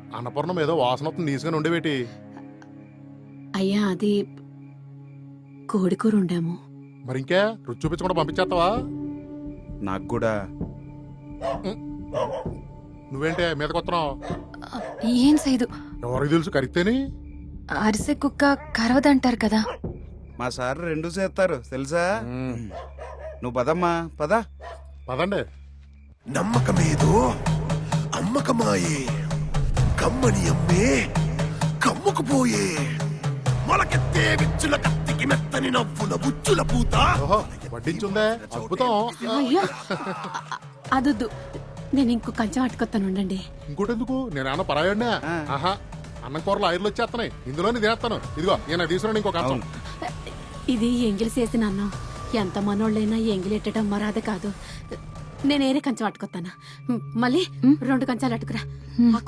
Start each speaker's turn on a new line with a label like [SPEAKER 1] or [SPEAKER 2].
[SPEAKER 1] అన్నపూర్ణం ఏదో వాసన వస్తుంది తీసుకుని ఉండేవేటి?
[SPEAKER 2] అయ్యా అది కోడికూర ఉండాము.
[SPEAKER 1] మరి ఇంకే రుచి చూపించకుండా పంపించేస్తావా?
[SPEAKER 3] నాకు కూడా.
[SPEAKER 1] నువ్వేంటే మీద కొత్తనావు?
[SPEAKER 4] ఏం సైదు,
[SPEAKER 1] ఎవరికి తెలుసు కరిగితేని?
[SPEAKER 4] అరిసె కుక్క కరవదంటారు కదా.
[SPEAKER 3] మా సార్ రెండు చేస్తారు తెలుసా. నువ్వు పదమ్మా పద.
[SPEAKER 1] పదండి.
[SPEAKER 5] నమ్మకమేదో అమ్మకమాయే, కమ్మని అమ్మే కమ్ముకుపోయే, మొలకెత్తే విచ్చుల కత్తికి మెత్తని నవ్వుల బుచ్చుల పూత.
[SPEAKER 1] ఓహో వడ్డించుందే, అద్భుతం.
[SPEAKER 2] అయ్యో అదొద్దు, నేను ఇంకో కంచం అట్టుకొస్తాను ఉండండి.
[SPEAKER 1] ఇంకోటి ఎందుకు? నేనేమన్నా పరాయడినా? ఆహా, అన్నం కూరలు ఆయిర్లు వచ్చేస్తున్నాయి, ఇందులోనే తినేస్తాను. ఇదిగో నేను తీసుకున్నాను ఇంకో కంచం.
[SPEAKER 2] ఇది ఎంగిలి చేసిన అన్నం. ఎంత మనోళ్ళైనా ఎంగిలెట్టడం మరాద కాదు. నేనేరే కంచం అట్టుకొస్తాను. మళ్ళీ 2 కంచాలు అట్టుకురా. ఆ